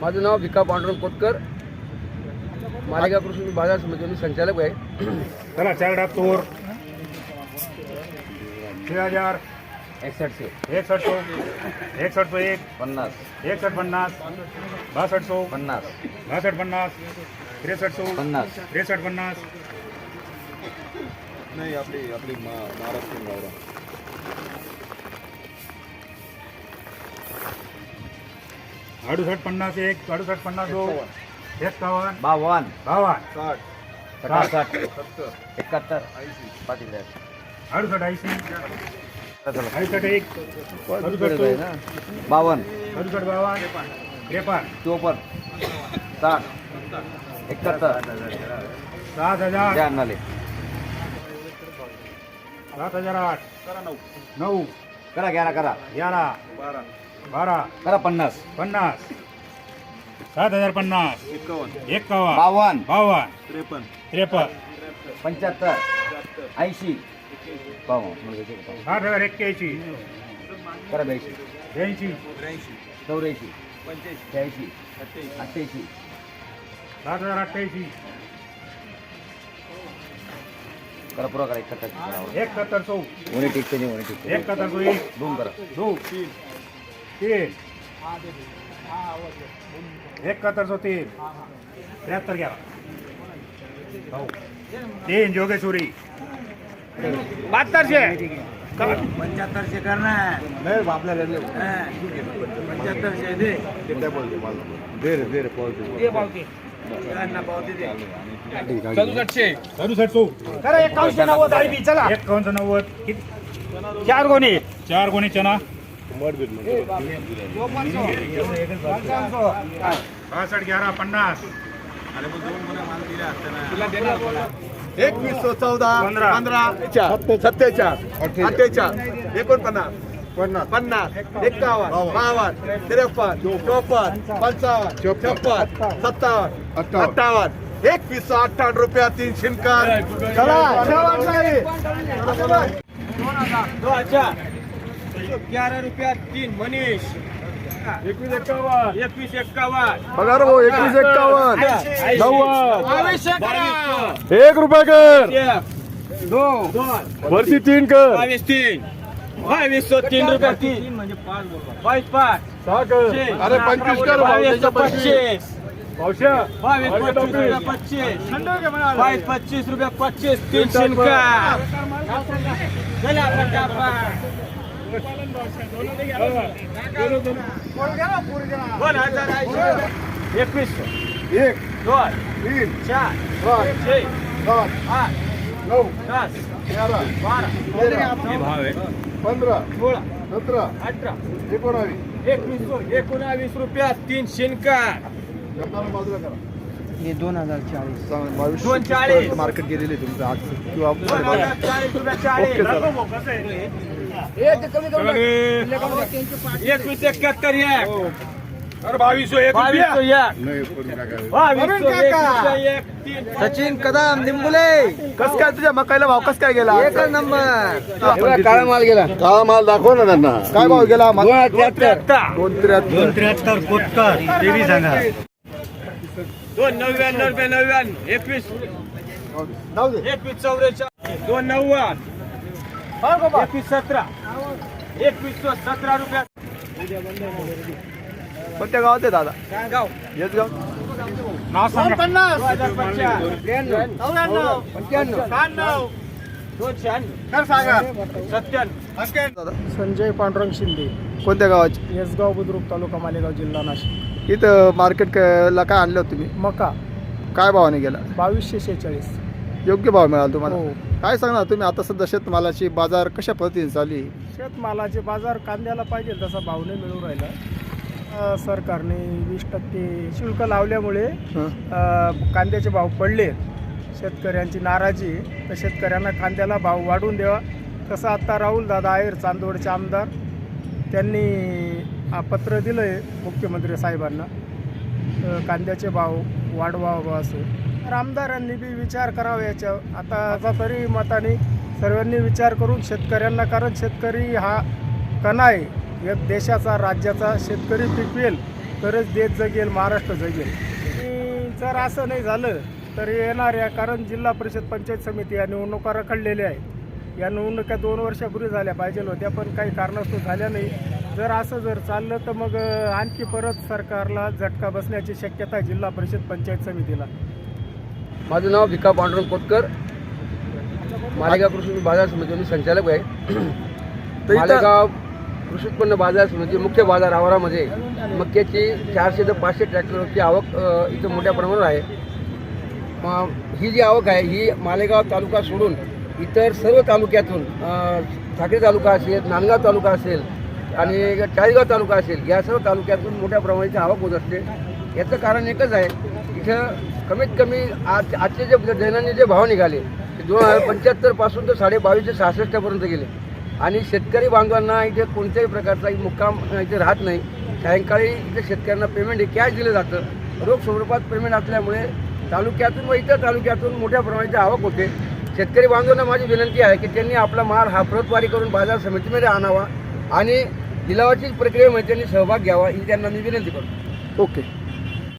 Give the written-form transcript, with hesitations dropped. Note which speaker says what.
Speaker 1: माझं नाव भिका पांडुरंग कोतकर, मालेगाव कृषी बाजार समितीचे संचालक आहे.
Speaker 2: चला 4 डाब तोर 6000
Speaker 1: 61
Speaker 2: 61 61
Speaker 1: 50
Speaker 2: 61 50 62
Speaker 1: 50
Speaker 2: 62 50 63
Speaker 1: 50
Speaker 2: 63 50
Speaker 3: नाही आपली महाराष्ट्रीयन गावरा
Speaker 2: 68 50 1 68 50 2 51
Speaker 1: 52
Speaker 2: 52
Speaker 1: 60
Speaker 3: 70
Speaker 1: 71
Speaker 3: 80
Speaker 2: 68 80 68 1
Speaker 1: 52
Speaker 2: 68
Speaker 1: 52
Speaker 2: 52 53
Speaker 1: 54 60 71
Speaker 2: 7000
Speaker 1: द्या नाले
Speaker 2: 7008
Speaker 3: करा 9
Speaker 2: 9
Speaker 1: करा 11 करा
Speaker 2: 11
Speaker 3: 12
Speaker 2: 12
Speaker 1: करा 50
Speaker 2: 50 7050
Speaker 3: 51
Speaker 2: 51
Speaker 1: 52
Speaker 2: 52
Speaker 3: 53
Speaker 2: 53
Speaker 1: 75 80 पाहू
Speaker 2: 6081
Speaker 1: करा 82
Speaker 2: 82
Speaker 1: 84
Speaker 3: 85
Speaker 1: 86 88
Speaker 2: 7088
Speaker 1: करा पुरा करा 71
Speaker 2: 71
Speaker 1: उन्हें ठीक नहीं उन्हें ठीक
Speaker 2: 71
Speaker 1: धूम करा
Speaker 2: 2 3 7103 73 11 3 जोगेश्वरी 7200
Speaker 1: 75 करना है
Speaker 3: नाही आपल्या घरी
Speaker 1: 75 दे
Speaker 3: ते काय बोलते मला दे रे पावते
Speaker 2: करा 5190 चला 5190 4 गोणी चना 62 11 50
Speaker 3: 2114
Speaker 2: 15
Speaker 3: 77 48 49 50 51 52 53 54 55 56 57 58 2158 रुपया 3 शिनकर. चला
Speaker 1: 11 रुपया 3 मनीष 2151
Speaker 3: बघा रे भाऊ 2151 90 1 रुपया कर
Speaker 1: 2
Speaker 3: वरती 3 कर
Speaker 1: 2203 रुपया 3 म्हणजे 5 5
Speaker 3: 6 कर अरे 25 कर भाऊ, त्याच्या 25 पावशा
Speaker 1: 25 रुपया 25 3 शिनका एकवीस
Speaker 3: 1
Speaker 1: दोन
Speaker 3: 3
Speaker 1: चार
Speaker 3: 5
Speaker 1: छे
Speaker 3: 7
Speaker 1: आठ
Speaker 3: 9
Speaker 1: दस
Speaker 3: 11
Speaker 1: बारा
Speaker 3: 15
Speaker 1: सोळा
Speaker 3: 17
Speaker 1: अठरा
Speaker 3: 19
Speaker 1: 19 रुपया 3 शिनका
Speaker 3: बाजूला करा.
Speaker 4: हे 2040
Speaker 1: 240
Speaker 3: मार्केट गेलेले तुमचं आज किंवा
Speaker 1: 40 रुपया 40 एकवीस 71 एक
Speaker 2: अरे 2201
Speaker 3: नाही करू नका.
Speaker 4: सचिन कदम निंबुले
Speaker 3: कस काय तुझ्या मकाईला भाव कस काय गेला
Speaker 4: एकच नंबर
Speaker 1: काळा माल गेला
Speaker 3: काळा माल दाखव ना त्यांना काय भाव गेला
Speaker 2: 273 कोटकर देवी सांगा
Speaker 1: 299 रुपये 99 21
Speaker 3: जाऊ दे
Speaker 1: 21 44 290 21 17 21 17 रुपया
Speaker 3: कोणत्या गावात आहे दादा
Speaker 1: गाव
Speaker 3: येस गाव
Speaker 2: नाव सांगा
Speaker 3: दादा
Speaker 4: संजय पांडुरंग शिंदे
Speaker 3: कोणत्या गावाचे
Speaker 4: येसगाव बुद्रुक तालुका मालेगाव जिल्हा नाशिक.
Speaker 3: इथं मार्केटला काय आणलं होतं तुम्ही
Speaker 4: मका
Speaker 3: काय भावाने गेला
Speaker 4: 2246.
Speaker 3: योग्य भाव मिळाला तुम्हाला
Speaker 4: हो.
Speaker 3: काय सांगणार तुम्ही आता सध्या शेतमालाची बाजार कशा पद्धतीने चालू आहे?
Speaker 4: शेतमालाचे बाजार कांद्याला पाहिजे तसा भाव नाही मिळू राहिला. सरकारने 20% शुल्क लावल्यामुळे
Speaker 3: हं?
Speaker 4: कांद्याचे भाव पडले. शेतकऱ्यांची नाराजी आहे. तर शेतकऱ्यांना कांद्याला भाव वाढवून द्यावा. तसं आत्ता राहुल दादा आहेर चांदवडचे आमदार त्यांनी पत्र दिलं आहे मुख्यमंत्री साहेबांना कांद्याचे भाव वाढवावं असं. तर आमदारांनी बी विचार करावा याच्यावर. आता तरी मताने सर्वांनी विचार करून शेतकऱ्यांना, कारण शेतकरी हा कणा आहे एक देशाचा, राज्याचा. शेतकरी पिकवेल तरच देश जगेल, महाराष्ट्र जगेल. आणि जर असं नाही झालं तर येणाऱ्या, कारण जिल्हा परिषद पंचायत समिती या निवडणुका रखडलेल्या आहेत. या निवडणुका 2 वर्षापूर्वी झाल्या पाहिजे होत्या, पण काही कारणास्तव झाल्या नाही. जर असं जर चाललं तर मग आणखी परत सरकारला झटका बसण्याची शक्यता आहे जिल्हा परिषद पंचायत समितीला.
Speaker 1: माझं नाव भिका पांडुरंग कोतकर, मालेगाव कृषी बाजार समिती मी संचालक आहे. मालेगाव कृषी उत्पन्न बाजार समिती मुख्य बाजार आवारामध्ये मक्याची 400 ते 500 ट्रॅक्टरची आवक इथं मोठ्या प्रमाणावर आहे. ही जी आवक आहे ही मालेगाव तालुका सोडून इतर सर्व तालुक्यातून ठाकरे तालुका असेल, नांदगाव तालुका असेल आणि चाळीसगाव तालुका असेल, या सर्व तालुक्यातून मोठ्या प्रमाणाची आवक होत असते. याचं कारण एकच आहे, इथं कमीत कमी आजचे जे दैनंदिन जे भाव निघाले ते 2075 पासून तर 2266 पर्यंत गेले. आणि शेतकरी बांधवांना इथे कोणत्याही प्रकारचा मुक्काम इथे राहत नाही. सायंकाळी इथे शेतकऱ्यांना पेमेंट हे कॅश दिलं जातं. रोख स्वरूपात पेमेंट असल्यामुळे तालुक्यातून व इतर तालुक्यातून मोठ्या प्रमाणाची आवक होते. शेतकरी बांधवांना माझी विनंती आहे की त्यांनी आपला माल हा प्रतवारी करून बाजार समितीमध्ये आणावा आणि लिलावाची प्रक्रियेमध्ये त्यांनी सहभाग घ्यावा ही त्यांना मी विनंती करतो.
Speaker 3: ओके.